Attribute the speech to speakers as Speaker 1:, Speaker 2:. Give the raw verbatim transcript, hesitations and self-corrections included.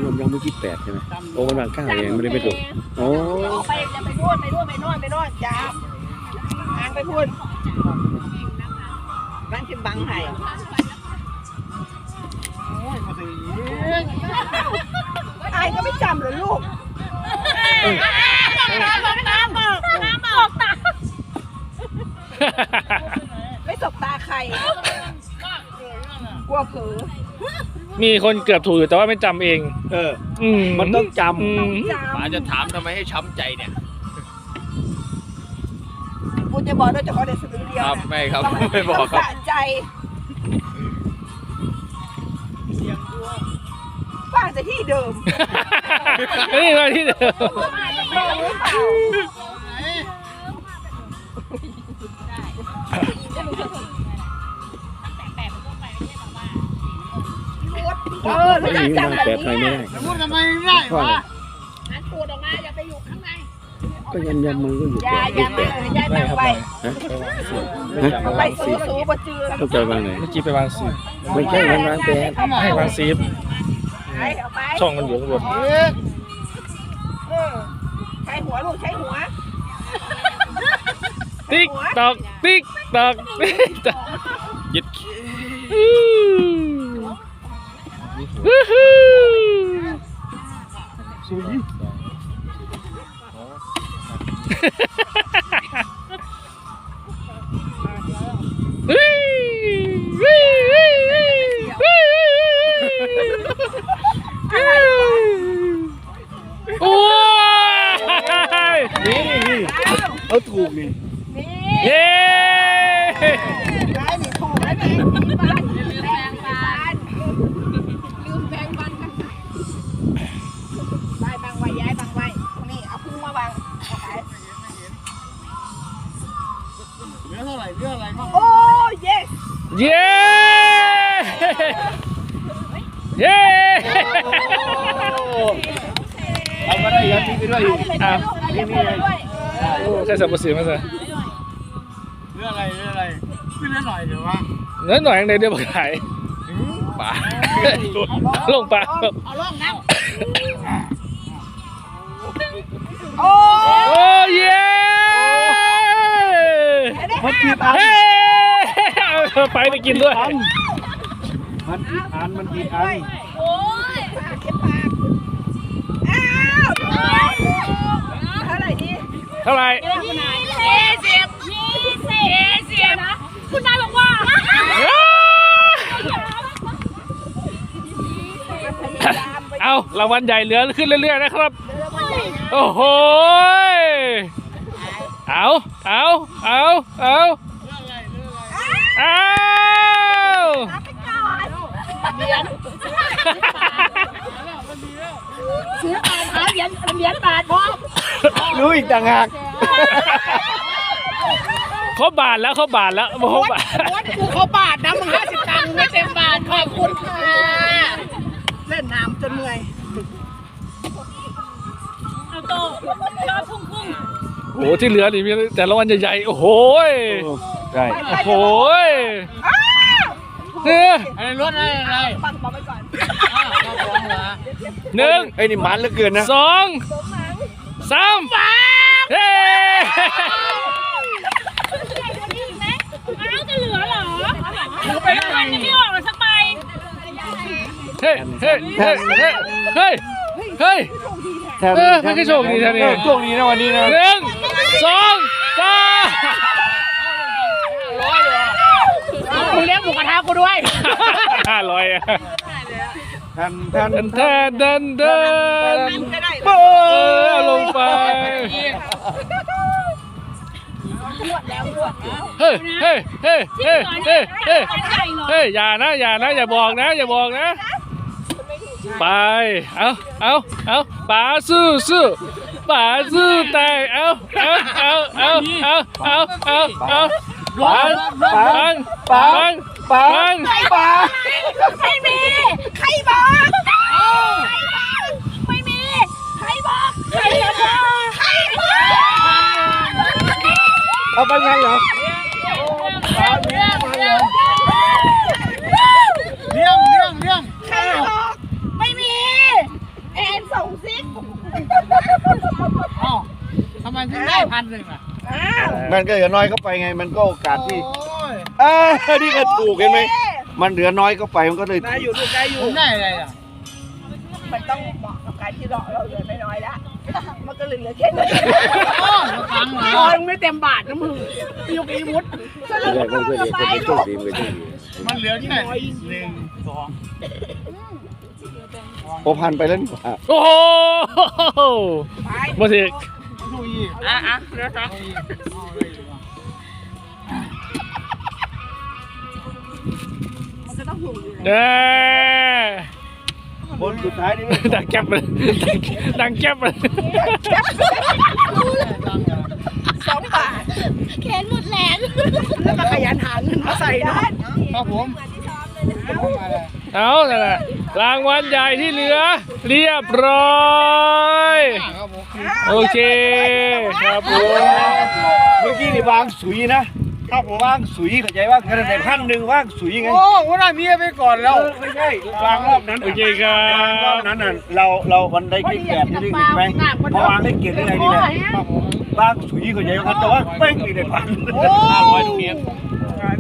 Speaker 1: ยำยำเมื่อกี้แปดใช่ไหมโอ้มันวางเก้าเองไม่ได้ไปดูโอ้
Speaker 2: ไปจะไปนู่นไปนู่นไปนู่นไปนู่นจ้าทางไปพูดบ้านชิมบังไห่ไอ้ก็ไม่จำเลยลูกบอกตาบอกตาบอกตาไม่สบตาใครกลัวเผลอ
Speaker 3: มีคนเกือบถูกอยู่แต่ว่าไม่จำเอง
Speaker 1: เออมันต้องจำ
Speaker 4: ป๋าจะถามทำไมให้ช้ำใจเนี่ย
Speaker 2: กูจะบอกด้วยเฉพาะเด็กสะดือเดียว
Speaker 4: ครับไม่ครับไม่บอกครับ
Speaker 2: สะใจป้าจะที่เดิม
Speaker 3: นี่มาที่เดิม
Speaker 2: เออไม่ได้จำแบบนี้
Speaker 1: พูดทำไมไม่ได้วะ
Speaker 2: หันตูดออกมาอย่าไปอยู่ข้างใน
Speaker 1: ก็ยำยำมันก็อยู่
Speaker 2: แปดยามาเลยยายมาไปไปสูสูบจืด
Speaker 1: ต้องใจวางไหน
Speaker 3: เมื่อกี้ไปวางซี
Speaker 1: ไม่ใช่วางแปด
Speaker 3: ให้วางซีฟช่องมันอยู่ข้างบน
Speaker 2: ใช้หัวลูกใช้หัว
Speaker 3: ติ๊กตอกติ๊กตอกติ๊กตอก
Speaker 4: ยึด
Speaker 1: สุย
Speaker 3: โอ้ย
Speaker 1: นี่นี่เอาถูกนี่
Speaker 3: เย้
Speaker 2: ได้หนีถูกแล้วนี่บ้านลืมแบงบ้านลืมแบงบ้านกันได้บางไว้ย้ายบางไว้นี่เอาพุ่งมาบาง
Speaker 1: เรื่องเท่าไหร่เรื่องอะไรบ้าง
Speaker 2: โอ้เย้
Speaker 3: เย้เย้
Speaker 1: เอามาได้ยัดที่ไปด้วย
Speaker 3: อ่ะนี่นี่ใช่สับปะรดมาสิ
Speaker 1: เรื่องอะไรเรื่องอะไรขึ้นเรื่องหน่อยเดี๋ยวว่า
Speaker 3: เนื้อหน่อยอย่างเดียวมาขาย
Speaker 4: ป๋า
Speaker 3: ลงปลา
Speaker 2: เอาล่องน้ำโอ้
Speaker 3: เย้
Speaker 1: มันผิดอัน
Speaker 3: เอาไปไปกินด้วย
Speaker 1: มันผิดอันมันผิดอัน
Speaker 2: โอ้ยปากเก็บปากอ้าวเท่าไหร่ดี
Speaker 3: เท่าไหร่
Speaker 2: ยี่สิบยี่สิบยี่สิบนะคุณนายบอกว่า
Speaker 3: เอารางวัลใหญ่เหลือขึ้นเรื่อยๆนะครับโอ้โหเอาเอาเอาเอาเอาซื้ออ่านหาเหรียญเหรียญบาทพร้อม
Speaker 1: รู้อีกต่างหาก
Speaker 3: เขาบาทแล้วเขาบาทแล้วโมโหบาท
Speaker 2: วัดกูเขาบาทนะมึงห้าสิบตังค์ไม่เต็มบาทขอบคุณค่ะเล่นน้ำจนเหนื่อยเอาโตรอพุ่งพุ่ง
Speaker 3: โอ้ที่เหลือนี่มีแต่ละวันใหญ่ๆโอ้โห
Speaker 1: ใช่
Speaker 3: โอ้โหเนี่ย
Speaker 4: อะไรรถอะไรอะไร
Speaker 2: ฟังบอกไปก่อน
Speaker 3: หนึ่ง
Speaker 1: ไอ้นี่มันเหลือเกินนะ
Speaker 3: สองสามเฮ้
Speaker 2: เอาจะเหลือเหรอไปแล้วมันจะไม่ออกหรอสักใบ
Speaker 3: เฮ้เฮ้เฮ้เฮ้เฮ้เฮ้เออให้โชคดีแท้นี่
Speaker 1: โชคดีนะวันนี้นะ
Speaker 3: หนึ่งสองสาม
Speaker 2: ร้อยเลยมึงเลี้ยงหมูกระทะกูด้วย
Speaker 3: ห้าร้อยอะ
Speaker 1: ทันทัน
Speaker 3: แทนเดินเดินเออลงไปเฮ้ยเฮ้ยเฮ้ยเฮ้ยเฮ้ยเฮ้ยเฮ้ยอย่านะอย่านะอย่าบอกนะอย่าบอกนะไปเอาเอาเอาป๋าสู้สู้ป๋าสู้แต่เอาเอาเอาเอาเอาเอาเอาเอาปังปังปังปังปัง
Speaker 2: ไม่มีใครบอกไม่มีใครบอกใครบอกใครบอก
Speaker 1: เอาไปไงเหรอ
Speaker 2: เลี้ยงเลี้ยง
Speaker 1: เลี้ยงเลี้ยงเลี้ยง
Speaker 2: ใครบอกไม่มี
Speaker 1: ได้พันหนึ่งอ่ะ
Speaker 2: อ้าว
Speaker 5: มันก็เหลือน้อยเข้าไปไง มันก็โอกาสที่
Speaker 1: โอ้ย
Speaker 5: อ่านี่ก็ถูกเห็นไหมมันเหลือน้อยเข้าไปมันก็เลย
Speaker 1: ได้อยู่ลูกได้อยู่ผมได้อะไรอ่ะ
Speaker 2: มันต้องเหมาะกับการที่เราเราเหลือน้อยๆแล้วมันก็เหลือแค่นี้
Speaker 1: โอ้มาฟังเหร
Speaker 2: ต
Speaker 1: อ
Speaker 2: อนไม่เต็มบาทนะมึงยกอีมุดสรุปมันก็ไป
Speaker 1: มันเหลือที่ไหนหนึ่งสอง
Speaker 5: โอพันไปแล้วนี่หว่า
Speaker 3: โอ้โหมาสิ
Speaker 1: ดูอีก
Speaker 2: อ่ะอ่ะเดี๋ยวนะมันก็ต้องถูกอยู่แล้ว
Speaker 3: เด้อ
Speaker 5: คนสุดท้ายนี่
Speaker 3: ดังแก๊บเลยดังแก๊บเลย
Speaker 2: สองบาทแขนหมดแรงแล้วก็ขยันหาเงินมาใส่เนาะ
Speaker 1: ครับผม
Speaker 3: เอานั่นแหละรางวัลใหญ่ที่เหลือ เรียบร้อย
Speaker 1: ครับผม
Speaker 3: โอเคครับผม
Speaker 5: เมื่อกี้นี่วางสุยนะ ครับผมวางสุยเข้าใจว่าคะแนนแต่พันหนึ่งวางสุยไง
Speaker 1: โอ้วันนั้นเมียไปก่อนแล้ว
Speaker 5: ไม่ใช่วางรอบนั้น
Speaker 3: โอเคครั
Speaker 5: วางรอ
Speaker 3: บบ
Speaker 5: นั้นน่ะเราเราวันได้เกียรติแปดนี่ได้ไหมพอวางได้เกียรติได้ไงนี่แหละวางสุยเข้าใจว่าแต่ว่าเป้งนี่ได้พัน
Speaker 3: ห้าร้อยตรงนี้